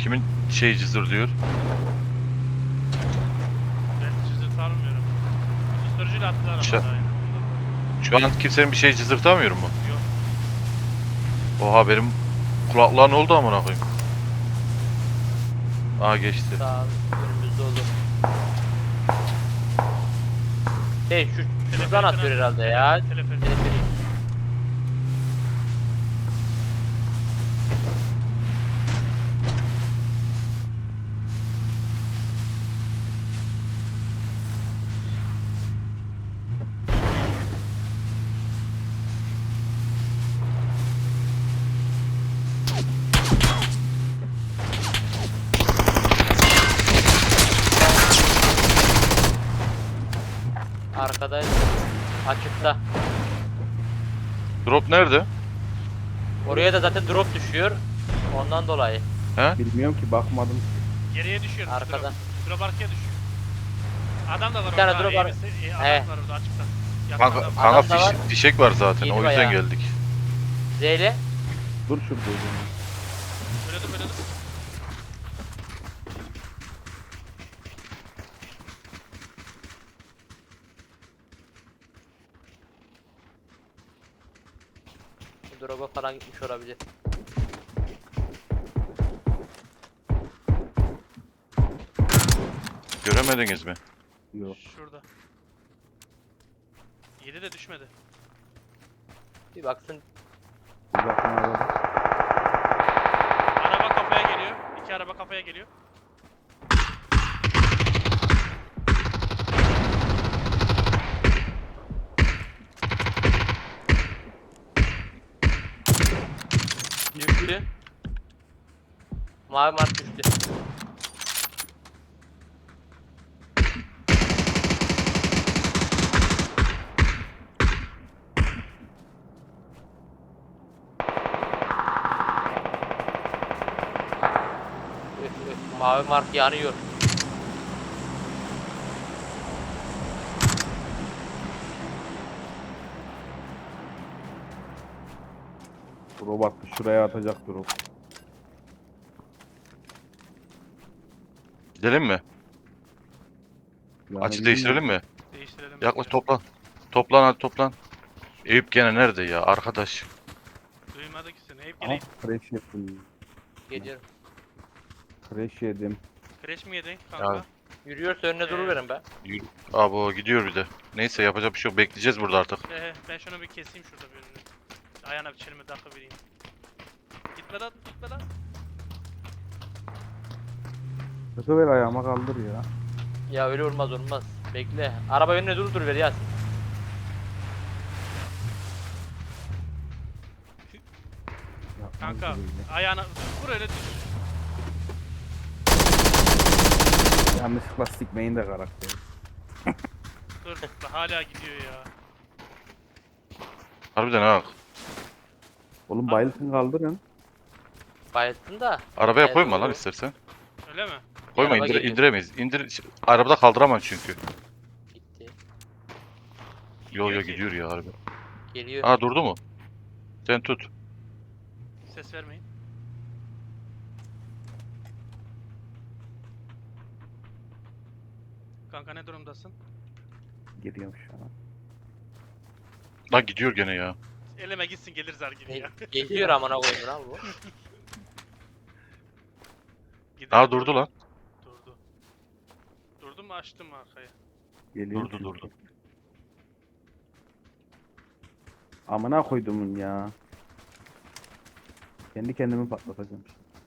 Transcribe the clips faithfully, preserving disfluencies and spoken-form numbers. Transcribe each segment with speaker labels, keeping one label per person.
Speaker 1: Kimin şey cızır diyor?
Speaker 2: Ben cızırt almıyorum. Susturucuyla attılar
Speaker 1: Şu-
Speaker 2: ama daha yine.
Speaker 1: Şu an kimsenin bir şey cızırtamıyor mu?
Speaker 2: Yok.
Speaker 1: Oha benim kulaklığa ne oldu amına koyayım? Aa geçti.
Speaker 3: Sağ önümüzde olur. Şey şu şuradan atıyor herhalde ya.
Speaker 2: Teleferik.
Speaker 3: Teleferik. Arkada açıkta.
Speaker 1: Drop nerede?
Speaker 3: Oraya da zaten drop düşüyor. Ondan dolayı.
Speaker 1: He?
Speaker 4: Bilmiyorum ki bakmadım.
Speaker 2: Geriye düşüyor.
Speaker 3: Arkada.
Speaker 2: Drop, drop arkaya düşüyor. Adam da var
Speaker 3: Bir tane
Speaker 2: orada.
Speaker 3: drop var.
Speaker 2: iyi misin? İyi, adam
Speaker 3: He.
Speaker 2: var orada açıkta. Yakın
Speaker 1: Kanka,
Speaker 2: adam.
Speaker 1: kanka
Speaker 3: Adam da var.
Speaker 1: fiş- fişek var zaten
Speaker 3: Yedi
Speaker 1: o yüzden
Speaker 3: bayağı.
Speaker 1: geldik.
Speaker 3: Zeyle.
Speaker 4: Dur şurada o zaman.
Speaker 2: Böyle dur böyle dur.
Speaker 3: Drop'a falan gitmiş olabilir.
Speaker 1: Göremediniz mi?
Speaker 4: Yok.
Speaker 2: Şurada. yedi de düşmedi.
Speaker 3: Bir baksın.
Speaker 4: Bir bakın arada.
Speaker 2: Araba kafaya geliyor. İki araba kafaya geliyor.
Speaker 3: Düştü. Mavi mark düştü. Üf, üf, mavi mark yanıyor.
Speaker 4: Robot şuraya atacak drop.
Speaker 1: Gidelim mi?
Speaker 4: Yani
Speaker 1: Açı değiştirelim mi?
Speaker 2: Değiştirelim.
Speaker 1: Yaklaş toplan. Toplan hadi toplan. Eyüp gene nerede ya arkadaş?
Speaker 2: Duymadı ki seni. Hep
Speaker 4: Aha
Speaker 2: geleyim.
Speaker 4: crash yedim.
Speaker 3: Geliyorum.
Speaker 4: Crash yedim.
Speaker 2: Crash mi yedin kanka?
Speaker 1: Ya.
Speaker 3: Yürüyorsa önüne duruverin be.
Speaker 1: Yürü. Abo gidiyor bir de. Neyse yapacak bir şey yok. Bekleyeceğiz burada artık.
Speaker 2: He, ben şunu bir keseyim şurada bir önünü. Ayağına bir çelime takı vereyim. Gitme lan, gitme lan.
Speaker 4: Kötü ver ayağıma kaldır ya.
Speaker 3: Ya öyle olmaz olmaz. Bekle. Araba önüne dur dur ver Yasin.
Speaker 4: Yapmaz
Speaker 2: Kanka,
Speaker 4: gibi.
Speaker 2: ayağına vur öyle düş.
Speaker 4: Yanlışlıkla sikmeyin de karakteri.
Speaker 2: Dur, hala gidiyor ya.
Speaker 1: Harbiden ha.
Speaker 4: Oğlum bayılsın kaldırın.
Speaker 3: Bayılttın da.
Speaker 1: Arabaya
Speaker 3: Evet,
Speaker 1: koyma lan
Speaker 3: doğru.
Speaker 1: istersen.
Speaker 2: Öyle mi?
Speaker 1: Koyma
Speaker 3: araba
Speaker 1: indir,
Speaker 3: geliyor.
Speaker 1: indiremeyiz. İndir arabada kaldıramaz çünkü.
Speaker 3: Gitti.
Speaker 1: Yo yo
Speaker 2: Gidiyor ki.
Speaker 1: gidiyor ya harbi.
Speaker 3: Geliyor.
Speaker 1: Aa durdu mu? Sen tut.
Speaker 2: Ses vermeyin. Kanka ne durumdasın?
Speaker 4: Geliyorum şu an.
Speaker 1: Lan gidiyor gene ya.
Speaker 2: Eleme gitsin gelir zar gibi ya.
Speaker 3: Ge- Geliyor amına koyayım lan bu.
Speaker 2: Gider.
Speaker 1: Aa durdu lan.
Speaker 2: Durdu. Durdu mu açtım mı arkaya?
Speaker 4: Geliyorum
Speaker 1: Durdu
Speaker 4: çünkü.
Speaker 1: durdu.
Speaker 4: Amına koydumun ya. Kendi kendimi patlatacağım.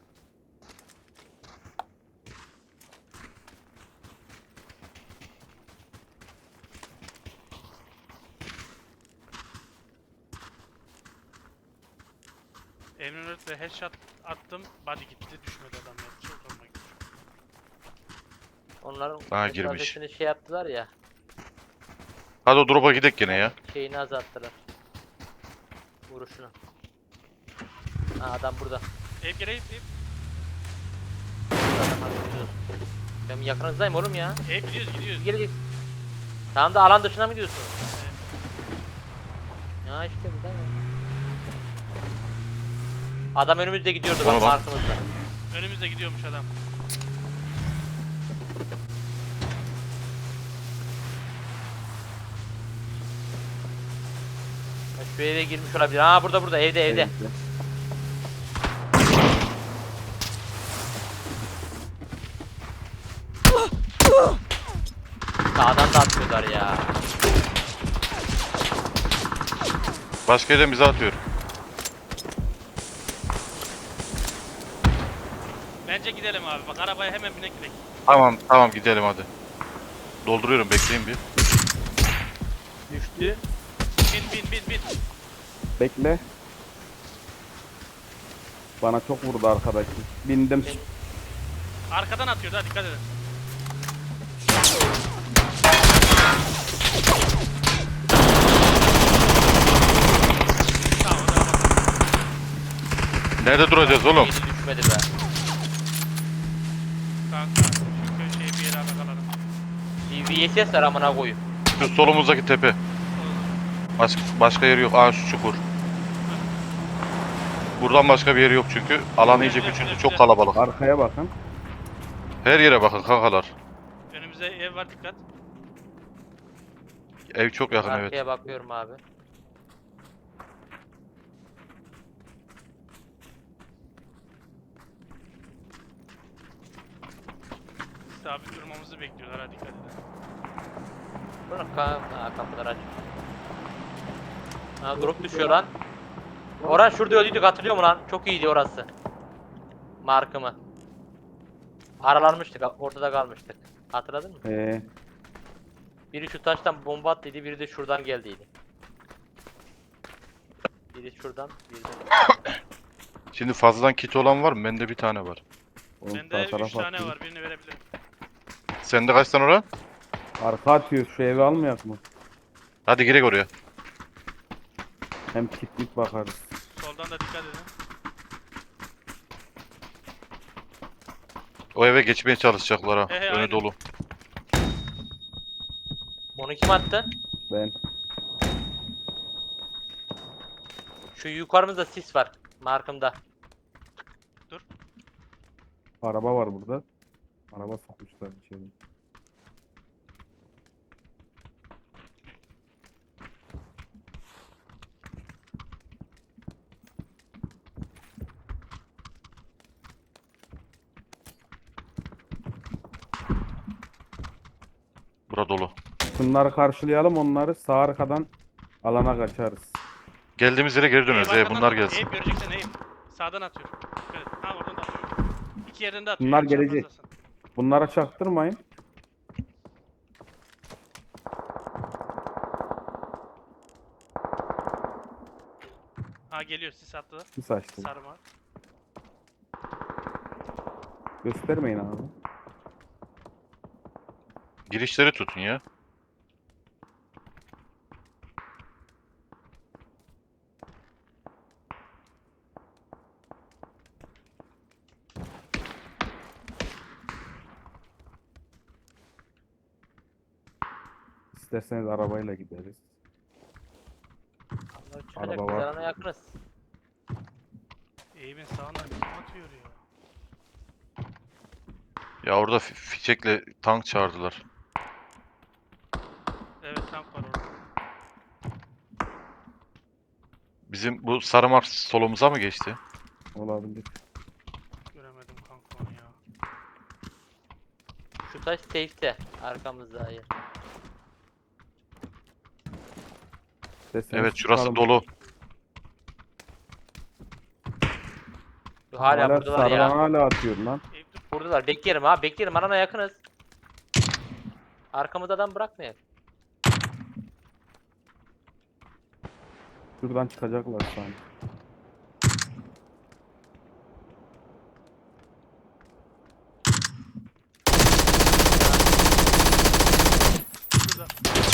Speaker 2: Emre headshot attım. Body gitti. Düşmedi adam ya. Çok zoruma gitti.
Speaker 3: Onların
Speaker 1: Aa, girmiş.
Speaker 3: mesafesini şey yaptılar ya.
Speaker 1: Hadi o drop'a gidek gene ya.
Speaker 3: Şeyini azalttılar. Vuruşunu. Ha adam burada.
Speaker 2: Ev geleyim ev.
Speaker 3: Adam hadi gidiyoruz. Ben yakınızdayım oğlum ya.
Speaker 2: Ev gidiyoruz gidiyoruz.
Speaker 3: Gelecek. Tamam da alan dışına mı gidiyorsun? Ya işte burada ya. Adam önümüzde gidiyordu
Speaker 1: Ona
Speaker 3: bak
Speaker 1: bak.
Speaker 3: arkamızda.
Speaker 2: Önümüzde gidiyormuş adam.
Speaker 3: Şu eve girmiş olabilir. Aa burada burada evde evde.
Speaker 4: Evde.
Speaker 3: Sağdan da atıyorlar ya.
Speaker 1: Başka yerden bize atıyor.
Speaker 2: Bence gidelim abi. Bak arabaya hemen binek gidelim.
Speaker 1: Tamam tamam gidelim hadi. Dolduruyorum bekleyin bir.
Speaker 3: Düştü.
Speaker 2: Bin bin bin bin.
Speaker 4: Bekle. Bana çok vurdu arkadaki. Bindim.
Speaker 2: Arkadan atıyordu ha, dikkat edin. Tamam o da ama.
Speaker 1: Nerede duracağız oğlum?
Speaker 3: Hiç düşmedi be.
Speaker 2: Kanka şu köşeye bir yere bakalım.
Speaker 3: Bir V S S var amına koyayım.
Speaker 1: Şu solumuzdaki tepe. Baş, başka yeri yok. Aa şu çukur. Buradan başka bir yeri yok çünkü. Alan iyice küçüldü. Çok kalabalık.
Speaker 4: Arkaya bakın.
Speaker 1: Her yere bakın kankalar.
Speaker 2: Önümüzde ev var, dikkat.
Speaker 1: Ev çok yakın evet.
Speaker 3: Arkaya bakıyorum abi.
Speaker 2: Sabit durmamızı bekliyorlar, ha dikkat edin.
Speaker 3: Bırak ka ha, kapılar aç. Ha drop düşüyor lan. Orhan şurada öldüydük hatırlıyor musun lan? Çok iyiydi orası. Markımı. Aralanmıştık, ortada kalmıştık. Hatırladın mı?
Speaker 4: Ee,
Speaker 3: Biri şu taştan bomba attıydı, biri de şuradan geldiydi. Biri şuradan, biri de...
Speaker 1: Şimdi fazladan kit olan var mı? Bende bir tane var.
Speaker 4: oğlum
Speaker 2: Bende
Speaker 4: sağ taraf
Speaker 2: üç tane
Speaker 4: atıyor.
Speaker 2: var, birini verebilirim.
Speaker 1: Sende kaç tane oran?
Speaker 4: Arka atıyor. Şu evi almayak mı?
Speaker 1: Hadi girek oraya.
Speaker 4: Hem kitlik bakarız.
Speaker 2: Soldan da dikkat edin.
Speaker 1: O eve geçmeye çalışacaklar ha.
Speaker 2: He he,
Speaker 1: Önü
Speaker 2: aynen.
Speaker 1: dolu.
Speaker 3: Onu kim attı?
Speaker 4: Ben.
Speaker 3: Şu yukarımızda sis var. Markımda.
Speaker 4: Araba var burada. Araba sokmuşlar içeri.
Speaker 1: Bura dolu.
Speaker 4: Şunları karşılayalım, onları sağ arkadan alana kaçarız.
Speaker 1: Geldiğimiz yere geri döneriz.
Speaker 2: Eyüp
Speaker 1: Ee,
Speaker 2: arkadan
Speaker 1: bunlar
Speaker 2: da-
Speaker 1: gelsin.
Speaker 2: Eyüp göreceksin Eyüp. Sağdan atıyor. Dikkat et. Ha oradan da atıyor. İki yerden de atıyor.
Speaker 4: Bunlar
Speaker 2: yanlış
Speaker 4: gelecek.
Speaker 2: yapmazsan.
Speaker 4: Bunlara çaktırmayın.
Speaker 2: Ha geliyor, sis attılar.
Speaker 4: Sis açtım.
Speaker 2: Sarma.
Speaker 4: Göstermeyin abi.
Speaker 1: Girişleri tutun ya.
Speaker 4: İsterseniz arabayla gideriz.
Speaker 3: Allah çıkacak,
Speaker 4: Araba
Speaker 3: biz
Speaker 4: var.
Speaker 3: alana yakınız.
Speaker 2: Eyüp'ün sağından kim atıyor ya?
Speaker 1: Ya orada fi- fişekle tank çağırdılar.
Speaker 2: Evet, tank var orada.
Speaker 1: Bizim bu sarı mark solumuza mı geçti?
Speaker 4: Olabilir.
Speaker 2: Göremedim kanka onu ya.
Speaker 3: Şu taş safe'te. Arkamızda hayır.
Speaker 4: İsterseniz
Speaker 1: Evet şurası
Speaker 4: çıkalım.
Speaker 1: dolu.
Speaker 3: Şu hala,
Speaker 4: Hala
Speaker 3: buradalar
Speaker 4: sarılan
Speaker 3: ya.
Speaker 4: hala atıyor lan.
Speaker 2: Eyüp dur.
Speaker 3: Buradalar. Bekleyelim ha. Bekleyelim. Alana yakınız. Arkamızda adam bırakmayalım.
Speaker 4: Şuradan çıkacaklar sanki.
Speaker 2: Şurada.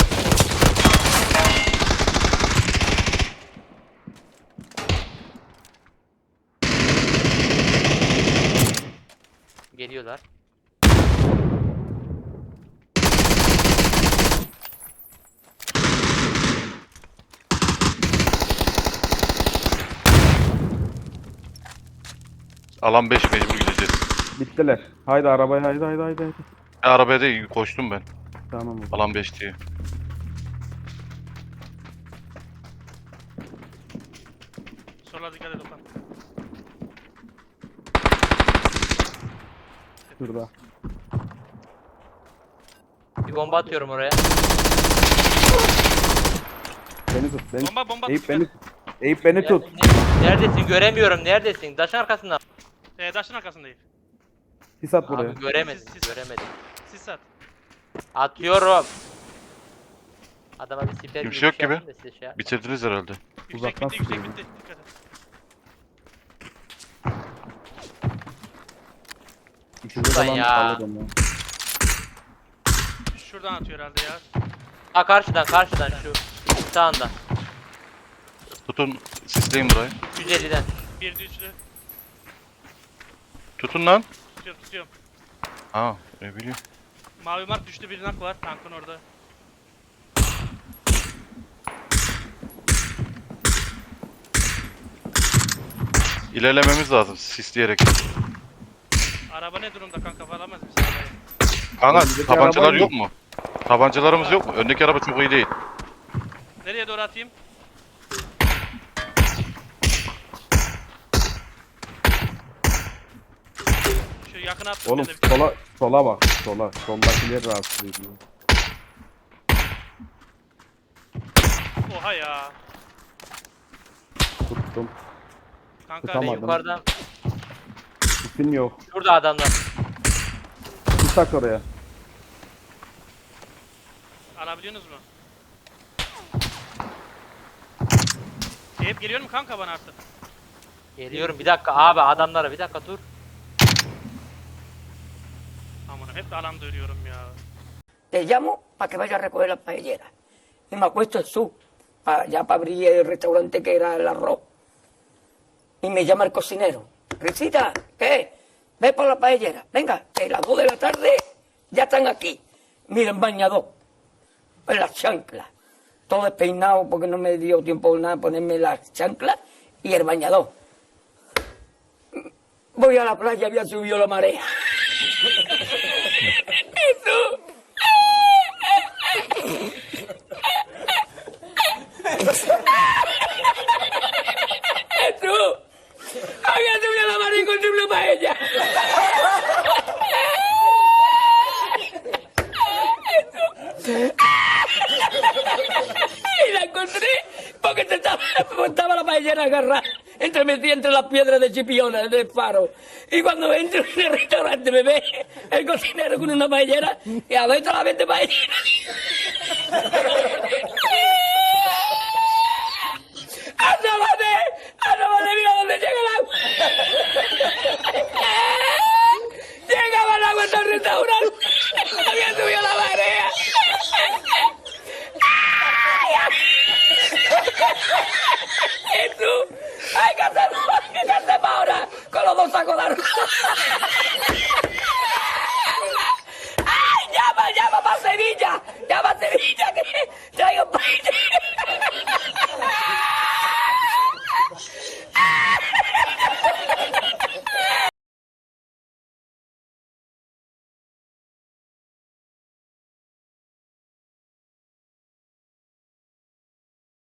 Speaker 3: Geliyorlar.
Speaker 1: Alan beş mecbur gideceğiz.
Speaker 4: Bittiler. Haydi arabaya haydi haydi haydi. haydi.
Speaker 1: E, arabaya da koştum ben.
Speaker 4: Tamam. o zaman.
Speaker 1: Alan beş diye.
Speaker 2: Sola dikkat et Okan.
Speaker 4: Şurada.
Speaker 3: Bir bomba atıyorum oraya.
Speaker 4: Beni tut. Beni
Speaker 2: Bomba bomba.
Speaker 4: Eyüp
Speaker 2: dikkat
Speaker 4: beni
Speaker 2: et.
Speaker 4: tut. Eyüp beni tut.
Speaker 3: Neredesin? Göremiyorum. Neredesin? Taşın arkasında.
Speaker 2: Ee, taşın arkasındayım.
Speaker 4: Sis at buraya.
Speaker 3: Abi göremedim.
Speaker 2: Siz- siz-
Speaker 3: Göremedim.
Speaker 2: Sis at.
Speaker 3: Atıyorum. Adama bir siper
Speaker 1: Kimse yok gibi.
Speaker 3: yapayım da size şey yap-
Speaker 1: Bitirdiniz herhalde.
Speaker 2: Yüksek
Speaker 4: Uzaktan
Speaker 2: bitti yüksek
Speaker 4: sıkıyor.
Speaker 2: bitti. Dikkat et.
Speaker 4: Üçüncü
Speaker 3: Şuradan
Speaker 4: falan
Speaker 3: ya.
Speaker 4: alırım ya.
Speaker 2: Şuradan atıyor herhalde ya.
Speaker 3: Ha karşıdan karşıdan şu. Sağından.
Speaker 1: Tutun. Sisleyin burayı.
Speaker 3: yüz elliden.
Speaker 2: Bir düştü.
Speaker 1: Tutun lan.
Speaker 2: Tutuyorum tutuyorum.
Speaker 1: Ha ne bileyim.
Speaker 2: Mavi mark düştü, bir nak var tankın orada.
Speaker 1: İlerlememiz lazım sisleyerek.
Speaker 2: Araba ne durumda kanka, alamaz mısın arabayı?
Speaker 1: Kanka
Speaker 4: Öndeki
Speaker 1: tabancalar
Speaker 4: araba
Speaker 1: yok mu? Tabancalarımız yok mu? Öndeki araba çok iyi değil.
Speaker 2: Nereye doğru atayım? Şu yakına attım
Speaker 4: Oğlum
Speaker 2: ben de bir-
Speaker 4: sola sola bak. Sola. Soldakiler rahatsız ediyor.
Speaker 2: Oha ya.
Speaker 4: Tuttum.
Speaker 2: Kanka
Speaker 4: Tutamadım.
Speaker 3: Ben yukarıdan.
Speaker 4: Sisim yok.
Speaker 3: Şurada adamlar.
Speaker 4: Sis at oraya.
Speaker 2: alabiliyorsunuz mu? Eyüp geliyor mu kanka bana artık?
Speaker 3: Geliyorum bir dakika abi adamlara bir dakika dur.
Speaker 2: Aman hep de alanda ölüyorum ya.
Speaker 5: Te llamo para que vaya a recoger las paelleras. Y me acuesto en su, pa- ya para abrir el restaurante que era el arroz. Y me llama el cocinero. Risita, ¿qué? Ve por la paellera. Venga, que las dos de la tarde ya están aquí. Miren, bañador. En las chanclas. Todo despeinado porque no me dio tiempo nada ponerme las chanclas y el bañador. Voy a la playa, había subido la marea. ¿Y tú? ¡Tú! ¡Había subido la marea y encontré una paella! Y la encontré porque te estaba, estaba la paellera agarrada entre metida entre las piedras de Chipiona, del faro. Y cuando entro en el restaurante me ve el cocinero con una paellera y adentro la vende paellera. ¡Asómate! ¡Asómate! ¡Mira dónde llega el agua! ¡Llegaba el agua hasta el restaurante! ¡Había subido la marea! ¿Y tú? ¡Ay, qué hacemos! ¿Qué hacemos ahora? Con los dos sacos de arroz. ¡Ay, llama, llama para Sevilla! ¡Llama a Sevilla que traigo paella!